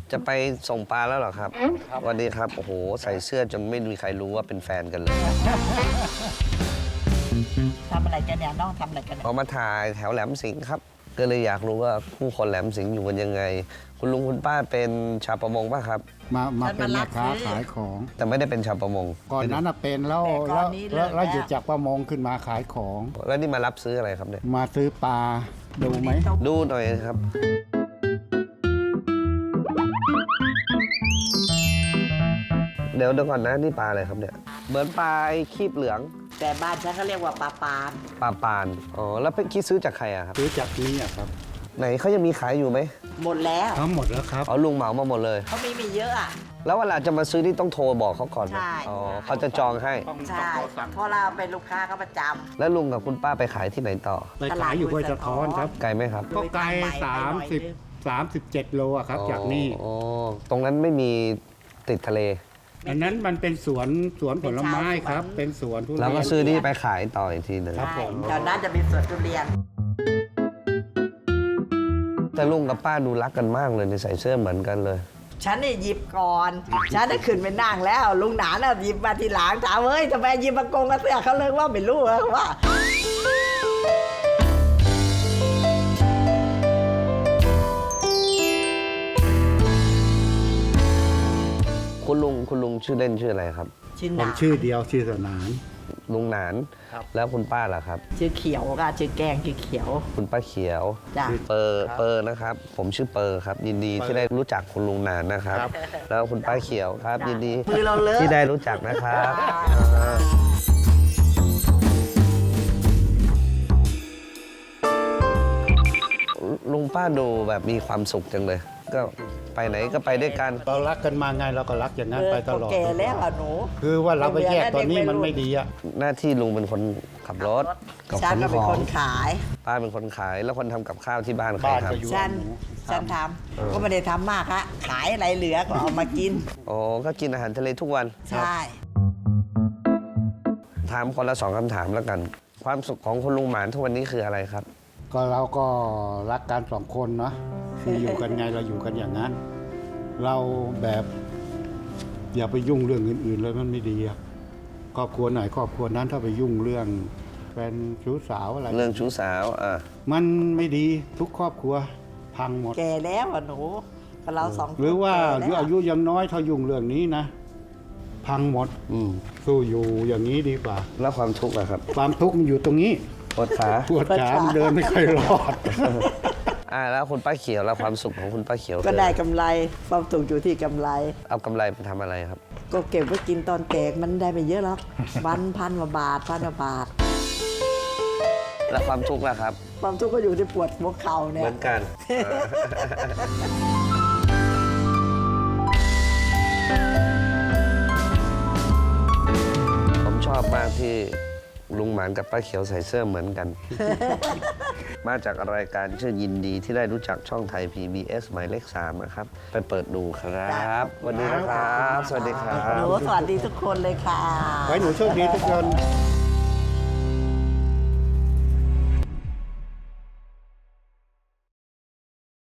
จะไปส่งปลาแล้วเหรอครับสวัสดีครับโอ้โหใส่เสื้อจนไม่มีใครรู้ว่าเป็นแฟนกันเลยทำอะไรกันเนี่ยน้องทำอะไรกันเนี่ยออกมาถ่ายแถวแหลมสิงห์ครับ ก็เลยอยากรู้ว่าผู้คนแหลมสิงห์อยู่กันยังไง คุณลุงคุณป้าเป็นชาวประมงป่ะครับมาเป็นแม่ค้าขายของแต่ไม่ได้เป็นชาวประมงก่อนนั้นน่ะเป็นแล้วหยุดจากประมงขึ้นมาขายของแล้วนี่มารับซื้ออะไรครับเนี่ยมาซื้อปลาดูไหมดูหน่อยครับ เดี๋ยวก่อนนะนี่ปลาอะไรครับเนี่ยเหมือนปลาคีบเหลืองแต่บ้านฉันก็เรียกว่าปลาปานปลาปานอ๋อแล้วไปคิดซื้อจากใครอะครับซื้อจากนี้อะครับไหนเขายังมีขายอยู่ไหมหมดแล้วทั้งหมดแล้วครับอ๋อลุงเหมามาหมดเลยเขาไม่มีเยอะอ่ะแล้วเวลาจะมาซื้อนี่ต้องโทรบอกเขาก่อนไหมใช่อ๋อเขาจะจองให้ใช่เพราะเราเป็นลูกค้าเขาประจแล้วลุงกับคุณป้าไปขายที่ไหนต่อไปขายอยู่ห้วยสะท้อนครับไกลไหมครับก็ไกล37 โลอะครับจากนี่อ๋อตรงนั้นไม่มีติดทะเลอันนั้นมันเป็นสวนผลไม้ครับ เป็นสวนทุเรียนแล้วก็ซื้อนี่ไปขายต่ออีกทีหนึ่งำครับใช่ผมแถวนั้นจะมีสวนทุเรียนแต่ลุงกับป้าดูรักกันมากเลยในใส่เสื้อเหมือนกันเลยฉันนี่หยิบก่อน ฉันได้ขึ้นไปนั่งแล้ว ลุงหนานน่ะหยิบมาทีหลังถามเฮ้ยทำไมหยิบมากงกระเสื้อเขาเลยว่าไม่รู้เหรอว่าคุณลุงชื่อเล่นชื่ออะไรครับชื่อหผนาม นชื่อเดียวชื่อสนานลุงหนานครับแล้วคุณป้าล่ะครับชื่อเขียวค่ะชื่อแกงชื่อเขียวคุณป้าเขียวจ้ะเปอร์นะครับ ผมชื่อเปอร์ครับ ยินดีที่ได้รู้จักคุณลุงหนานนะครับครับแล้วคุณป้าเขียวครับ ยินดีมือเราเลอะที่ได้รู้จักนะครับลุงป้าดูแบบมีความสุขจังเลย ก็ไปไหนก็ไปด้วยกันเรารักกันมาไงเราก็รักอย่างนั้นไปตลอดแก่แล้วอ่ะหนูคือว่าเราไปแยกตอนนี้มันไม่ดีอะหน้าที่ลุงเป็นคนขับรถกับฉัขนนก็ขเป็นอคงนขายป้าเป็นคนขายแล้วคนทำกับข้าวที่บ้านใครบ้านครัก็บอยู่ฉันทำก็ไม่ได้ทำมากฮะขายอะไรเหลือก็เอามากินอ๋อก็กินอาหารทะเลทุกวันใช่ถามคนละ2คำถามแล้วกัน ความสุขของคุณลุงหมานทุกวันนี้คืออะไรครับก็เราก็รักกัน2 คนเนาะคืออยู่กันไงเราอยู่กันอย่างนั้น เราแบบอย่าไปยุ่งเรื่องอื่นๆเลยมันไม่ดีอะครอบครัวไหนครอบครัวนั้นถ้าไปยุ่งเรื่องแฟนชู้สาวอะไรเรื่องชู้สาวมันไม่ดีทุกครอบครัวพังหมดแก่แล้วอ่ะหนูกับเราสองคนหรือว่าแก่แล้วอายุยังน้อยถ้ายุ่งเรื่องนี้นะ พังหมด สู้อยู่อย่างนี้ดีกว่าแล้วความทุกข์อะครับความทุกข์มันอยู่ตรงนี้ปวดขาปวดขามันเดินไม่ค่อยรอดแล้วคุณป้าเขียวแล้วความสุขของคุณป้าเขียวก็ได้กำไรความสุขอยู่ที่กำไรเอากำไรไปทำอะไรครับก็เก็บไว้กินตอนแก่มันได้ไม่เยอะหรอกวัน1,000 กว่าบาท1,000 กว่าบาทแล้วความทุกข์ล่ะครับความทุกข์ก็อยู่ที่ปวดหัวเข่าเนี่เหยมือนกัน ผมชอบมากที่ลุงหมานกับป้าเขียวใส่เสื้อเหมือนกัน มาจากรายการชื่อยินดีที่ได้รู้จักช่องไทย PBS หมายเลข 3 นะครับ ไปเปิดดูครับวันนี้นะครับ สวัสดีครัหนูบสวัสดีทุกคนเลยค่ะไว้หนูโชคดีทุกคน